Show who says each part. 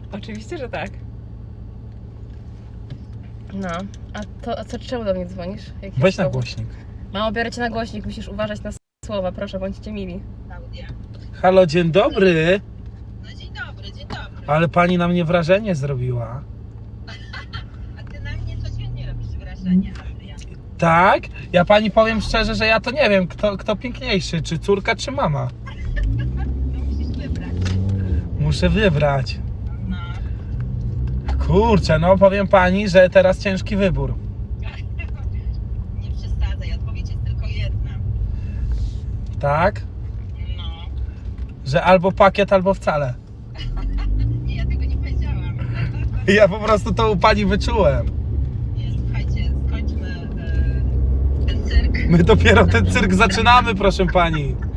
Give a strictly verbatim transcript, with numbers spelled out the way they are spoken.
Speaker 1: Oczywiście, że tak. No, a to a co, czemu do mnie dzwonisz? Jaki
Speaker 2: Weź na
Speaker 1: powód?
Speaker 2: głośnik.
Speaker 1: Mamo, biorę cię na głośnik, musisz uważać na słowa, proszę, bądźcie mili.
Speaker 3: Klaudia.
Speaker 2: Halo, dzień dobry.
Speaker 3: No dzień dobry, dzień dobry.
Speaker 2: Ale pani na mnie wrażenie zrobiła.
Speaker 3: A ty na mnie codziennie robisz wrażenie, Adrian.
Speaker 2: Tak? Ja pani powiem szczerze, że ja to nie wiem, kto, kto piękniejszy, czy córka, czy mama.
Speaker 3: No musisz wybrać.
Speaker 2: Muszę wybrać.
Speaker 3: No.
Speaker 2: Kurczę, no powiem pani, że teraz ciężki wybór.
Speaker 3: Nie przesadzaj, odpowiedź jest tylko jedna.
Speaker 2: Tak?
Speaker 3: No.
Speaker 2: Że albo pakiet, albo wcale.
Speaker 3: Nie, ja tego nie powiedziałam.
Speaker 2: Ja po prostu to u pani wyczułem.
Speaker 3: Nie, słuchajcie, skończmy e, ten cyrk.
Speaker 2: My dopiero ten cyrk zaczynamy, proszę pani.